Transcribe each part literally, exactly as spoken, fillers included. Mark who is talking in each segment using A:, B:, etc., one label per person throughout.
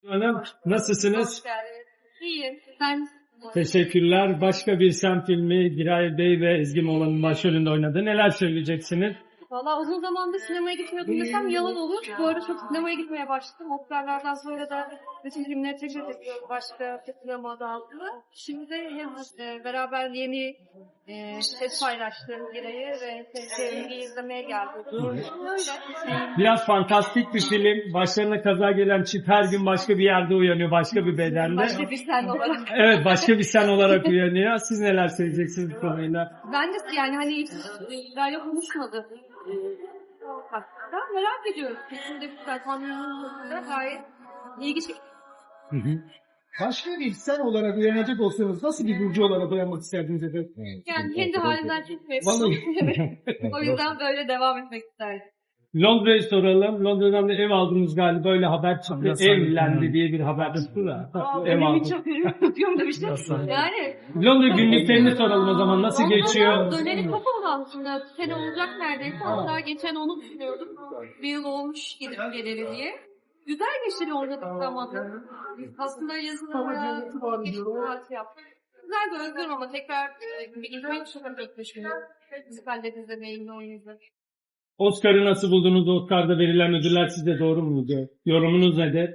A: Hanım, nasılsınız?
B: Hoş geldiniz. İyiyim. Ben
A: Teşekkürler. Başka bir sen filmi Giray Bey ve Ezgi Moğlan'ın başrolünde oynadı. Neler söyleyeceksiniz?
B: valla uzun zamandır sinemaya gitmiyordum desem yalan olur. Bu arada çok sinemaya gitmeye başladım. Oscar'lardan sonra da bütün filmleri tekrar ediyorum. Başka bir sinema adı altında. Şimdi de hem e, beraber yeni e, set paylaştığım Giray'ı ve Sevgi'yi izlemeye geldim. Öyle.
A: Biraz fantastik bir film. Başlarına kaza gelen çift her gün başka bir yerde uyanıyor, başka bir bedende.
B: Başka bir sen olarak.
A: Evet, başka bir sen olarak uyanıyor. Siz neler söyleyeceksiniz bu konuyla?
B: Ben de yani hani hiç Giray'la konuşmadım. Hatta merak ediyorum. Kesin de bu performansında gayet ilgi çekici.
A: Hı hı.
C: Başka bir sen olarak uyanacak olsanız nasıl bir burcu olarak uyanmak isterdiniz efendim?
B: Yani kendi halimden çok memnunum.
C: Vallahi.
B: O yüzden böyle devam etmek isterdim.
A: Londra'yı soralım. Londra'dan da ev aldınız galiba. Öyle haber çıktı. Evlendi diye bir haber çıktı da.
B: Aa,
A: Ev
B: benim
A: aldım.
B: hiç haberim tutuyorum demiştim. Yani
A: Londra günlüklerini soralım o zaman. Nasıl geçiyor?
B: döneli kapalı aslında. Sene olacak neredeyse. Hatta geçen onu düşünüyordum. Bir yıl olmuş gidip geleli diye. Güzel geçti Londra'da zamanı. Aslında yazın oraya geçip tatil yaptık. Güzel bir özgürüm ama tekrar e, bir izlemeyi çok hafif düşünüyorum. Müzikalleri izlemeyi, yine oyun izlemeyi.
A: Oscar'ı nasıl buldunuz? Oscar'da verilen ödüller sizce doğru muydu? Yorumunuz nedir?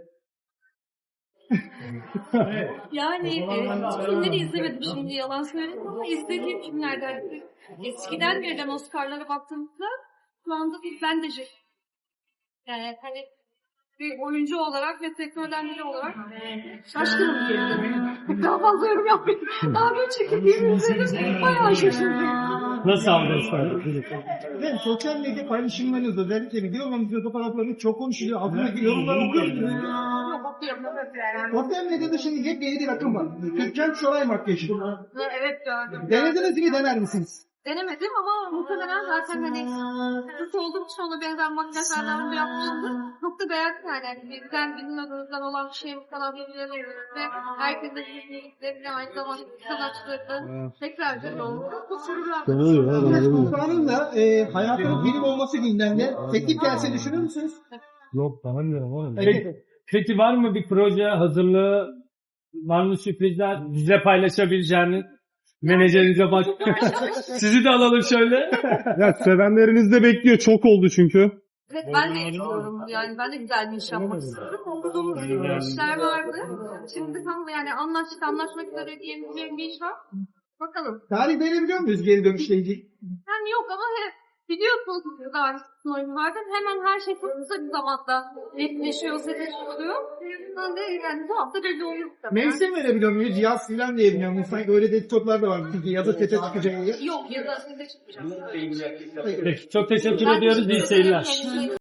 B: Yani e, hiç filmleri izlemedim şimdi yalan söyledim ama izlediğim filmlerden eskiden verilen Oscar'lara baktığımızda şu anda ben de şey, yani hani bir oyuncu olarak ve sektörden biri olarak şaşkınım diyebilirim. Daha fazla yorum yapmayayım. Daha bir çekildiğimi izledim. Bayağı şaşırdım.
A: Nasıl aldı Oscar'ı?
C: Ben sosyal medya paylaşımlarınızda özellikle video olmamızda fotoğraflarınız çok konuşuluyor. Altındaki yorumları okuyorsunuz. Sosyal medyada şimdi yepyeni bir akım var. Türkan Şoray makyajı.
B: Ha, evet gördüm.
C: Denediniz mi, dener misiniz?
B: Denemedim ama muhtemelen zaten hani kız olduğum için ona benzer makyajlardan önce yapmışımdır. Çok da beğendim yani. yani bizden bizim adımızdan olan bir şey bu kadar birbirlerine ve herkesin de birbirini aynı zamanda sanatçıları tekrar güzel oldu. Çok
C: Biraz Sultan'ın da e, hayatının bilim olması gündemde. Teklif gelse düşünür müsünüz?
D: Yok tanımıyorum oğlum.
A: Peki, peki var mı bir proje hazırlığı? Var mı sürprizler? Bize paylaşabileceğiniz? Menajerinize bak. Sizi de alalım şöyle.
D: Ya sevenleriniz de bekliyor. Çok oldu çünkü.
B: Evet ben de istiyorum. Yani ben de güzel bir iş yapmak istiyorum. Okuduğumuz işler vardı. Şimdi tam yani anlaştık anlaşmak üzere diyebileceğim bir iş var. Bakalım.
C: Tarih verebiliyor muyuz geri dönüşle ilgili?
B: Yani yok ama hep biliyorsunuz daha oyun vardı. Hemen her şey çok kısa bir zamanda netleşiyor, netleşiyor. Ben de yani bu hafta belli oluyor.
C: Mevsim verebiliyor muyuz? Yaz filan diyebiliyor muyuz? Sanki öyle dedikodular da var. Çünkü yazı sete çıkacak diye.
B: Yok ya da size çıkmayacağım.
A: Peki, çok teşekkür ediyoruz. İyi seyirler.